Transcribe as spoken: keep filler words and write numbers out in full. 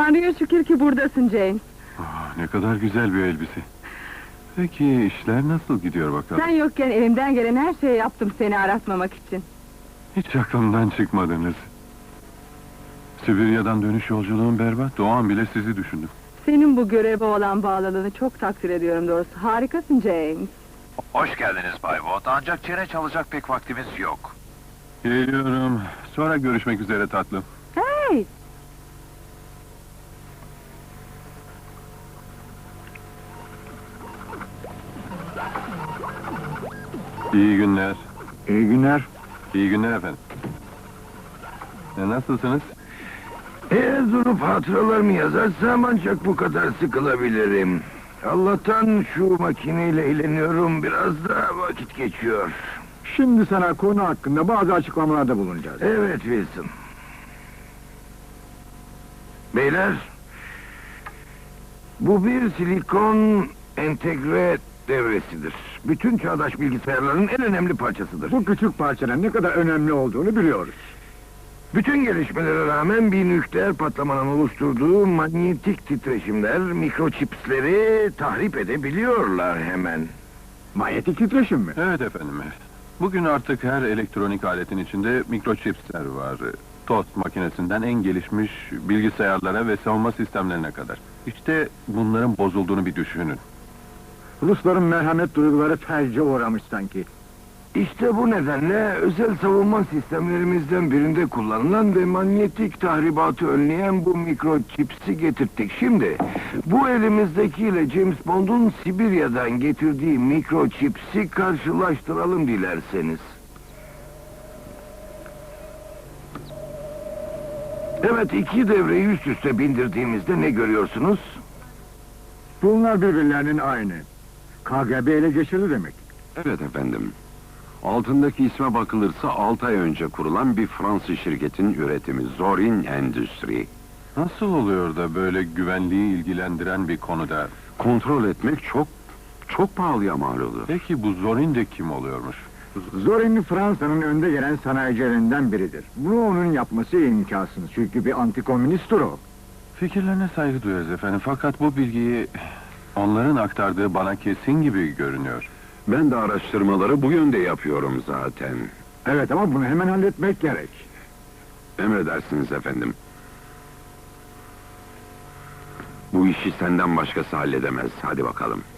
Tanrı'ya şükür ki buradasın James. Ah, ne kadar güzel bir elbise. Peki işler nasıl gidiyor bakalım? Sen yokken elimden gelen her şeyi yaptım seni aratmamak için. Hiç aklımdan çıkmadınız. Sibirya'dan dönüş yolculuğum berbat. O an bile sizi düşündüm. Senin bu göreve olan bağlılığını çok takdir ediyorum doğrusu. Harikasın James. Hoş geldiniz Bay Watt, ancak çene çalacak pek vaktimiz yok. Geliyorum. Sonra görüşmek üzere tatlım. Hey! İyi günler. İyi günler. İyi günler efendim. E, nasılsınız? Eğer durup hatıralarımı yazarsam ancak bu kadar sıkılabilirim. Allah'tan şu makineyle eğleniyorum, biraz da vakit geçiyor. Şimdi sana konu hakkında bazı açıklamalarda bulunacağız. Evet Wilson. Beyler, bu bir silikon entegre devresidir. Bütün çağdaş bilgisayarların en önemli parçasıdır. Bu küçük parçanın ne kadar önemli olduğunu biliyoruz. Bütün gelişmelere rağmen bir nükleer patlamanın oluşturduğu manyetik titreşimler mikroçipsleri tahrip edebiliyorlar hemen. Manyetik titreşim mi? Evet efendim. Bugün artık her elektronik aletin içinde mikroçipsler var. Tost makinesinden en gelişmiş bilgisayarlara ve savunma sistemlerine kadar. İşte bunların bozulduğunu bir düşünün. Rusların merhamet duyguları felce uğramış sanki. İşte bu nedenle özel savunma sistemlerimizden birinde kullanılan ve manyetik tahribatı önleyen bu mikroçipsi getirttik. Şimdi bu elimizdekiyle James Bond'un Sibirya'dan getirdiği mikroçipsi karşılaştıralım dilerseniz. Evet, iki devreyi üst üste bindirdiğimizde ne görüyorsunuz? Bunlar birbirlerinin aynı. K G B ele geçirdi demek. Evet efendim. Altındaki isme bakılırsa altı ay önce kurulan bir Fransız şirketin üretimi Zorin Endüstri. Nasıl oluyor da böyle güvenliği ilgilendiren bir konuda? Kontrol etmek çok, çok pahalıya mal olur. Peki bu Zorin de kim oluyormuş? Zorin Fransa'nın önde gelen sanayicilerinden biridir. Bunu onun yapması imkansız çünkü bir antikomünisttir o. Fikirlerine saygı duyarız efendim, fakat bu bilgiyi onların aktardığı bana kesin gibi görünüyor. Ben de araştırmaları bu yönde yapıyorum zaten. Evet ama bunu hemen halletmek gerek. Emredersiniz efendim. Bu işi senden başkası halledemez. Hadi bakalım.